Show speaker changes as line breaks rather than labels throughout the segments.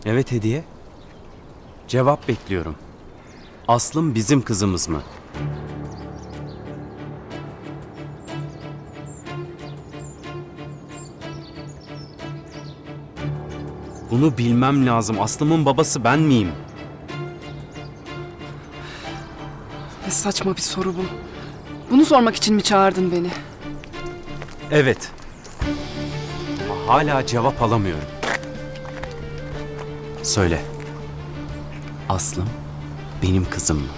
Evet Hediye. Cevap bekliyorum. Aslım bizim kızımız mı? Bunu bilmem lazım. Aslım'ın babası ben miyim?
Ne saçma bir soru bu. Bunu sormak için mi çağırdın beni?
Evet. Ama hala cevap alamıyorum. Söyle. Aslım benim kızım mı?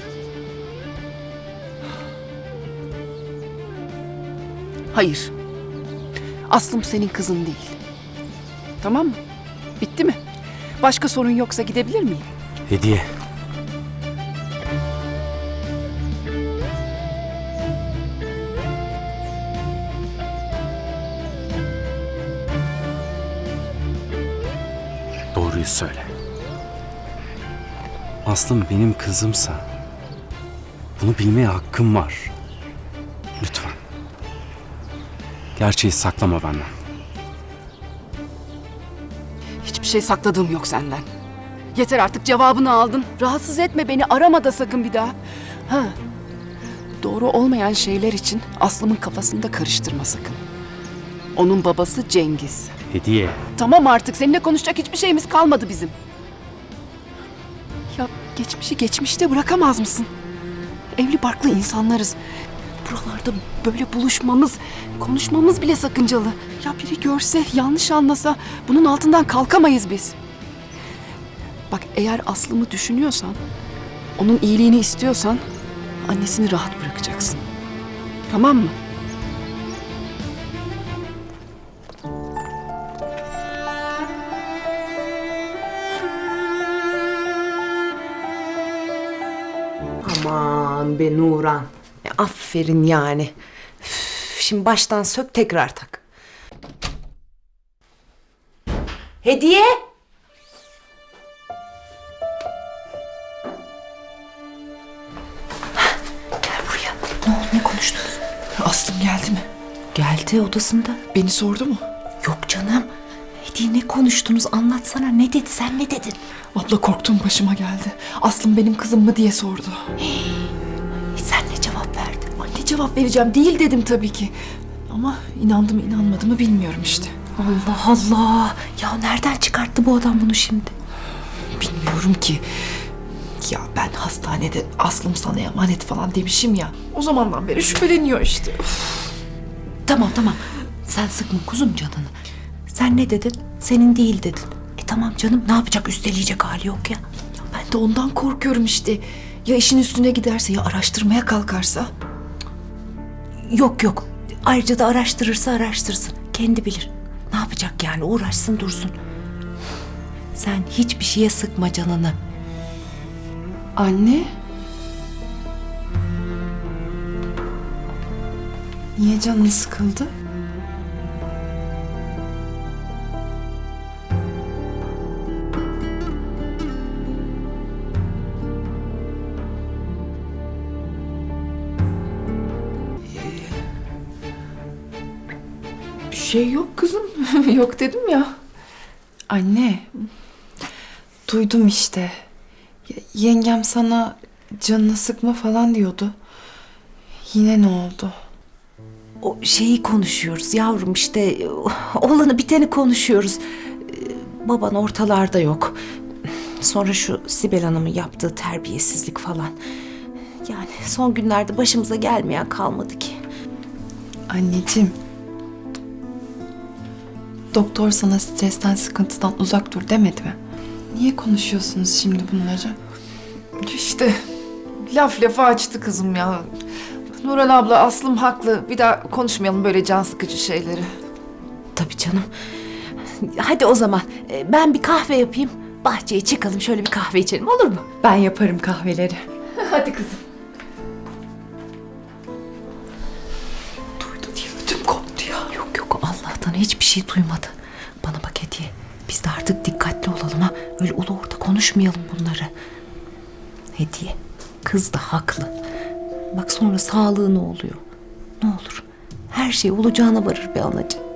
Hayır. Aslım senin kızın değil. Tamam mı? Bitti mi? Başka sorun yoksa gidebilir miyim?
Hediye. Doğruyu söyle. Aslım benim kızımsa bunu bilmeye hakkım var. Lütfen. Gerçeği saklama benden.
Hiçbir şey sakladığım yok senden. Yeter artık, cevabını aldın. Rahatsız etme beni, arama da sakın bir daha. Ha. Doğru olmayan şeyler için Aslım'ın kafasını da karıştırma sakın. Onun babası Cengiz.
Hediye.
Tamam artık, seninle konuşacak hiçbir şeyimiz kalmadı bizim. Ya geçmişi geçmişte bırakamaz mısın? Evli barklı insanlarız. Buralarda böyle buluşmamız, konuşmamız bile sakıncalı. Ya biri görse, yanlış anlasa bunun altından kalkamayız biz. Bak, eğer Aslım'ı düşünüyorsan, onun iyiliğini istiyorsan annesini rahat bırakacaksın. Tamam mı?
Aman be Nuran. Aferin yani. Üf, şimdi baştan sök, tekrar tak. Hediye. Gel buraya. Ne oldu, ne konuştunuz?
Aslım geldi mi?
Geldi, odasında.
Beni sordu mu?
Yok canım. Hediye, ne konuştunuz, anlatsana, ne dedi, sen ne dedin?
Abla, korktuğum başıma geldi. Aslım benim kızım mı diye sordu.
Sen ne cevap verdin?
Ne cevap vereceğim? Değil dedim tabii ki. Ama inandı mı inanmadı mı bilmiyorum işte.
Allah Allah. Ya nereden çıkarttı bu adam bunu şimdi?
Bilmiyorum ki. Ya ben hastanede Aslım sana emanet falan demişim ya. O zamandan beri şüpheleniyor işte.
Tamam. Sen sıkma kuzum canını. Sen ne dedin? Senin değil dedin. Tamam canım, ne yapacak, üsteleyecek hali yok ya.
Ya ben de ondan korkuyorum işte. Ya işin üstüne giderse, ya araştırmaya kalkarsa?
Yok. Ayrıca da araştırırsa araştırsın. Kendi bilir. Ne yapacak yani, uğraşsın dursun. Sen hiçbir şeye sıkma canını.
Anne? Niye canın sıkıldı?
Bir şey yok kızım. Yok dedim ya.
Anne, duydum işte. Yengem sana canını sıkma falan diyordu. Yine ne oldu?
O şeyi konuşuyoruz yavrum, işte olanı biteni konuşuyoruz. Baban ortalarda yok. Sonra şu Sibel Hanım'ın yaptığı terbiyesizlik falan. Yani son günlerde başımıza gelmeyen kalmadı ki.
Anneciğim, doktor sana stresten, sıkıntıdan uzak dur demedi mi? Niye konuşuyorsunuz şimdi bunları?
İşte laf lafa açtı kızım ya. Nurhan abla, Aslım haklı. Bir daha konuşmayalım böyle can sıkıcı şeyleri.
Tabii canım. Hadi o zaman ben bir kahve yapayım. Bahçeye çıkalım, şöyle bir kahve içelim, olur mu?
Ben yaparım kahveleri.
Hadi kızım.
Duydu diye ödüm koptu ya. Yok, Allah'tan hiçbir şey duymadı. Bana bak Hediye, biz de artık dikkatli olalım ha. Öyle ulu orta konuşmayalım bunları. Hediye, kız da haklı. Bak sonra sağlığı ne oluyor? Ne olur, her şey olacağına varır be anacığım.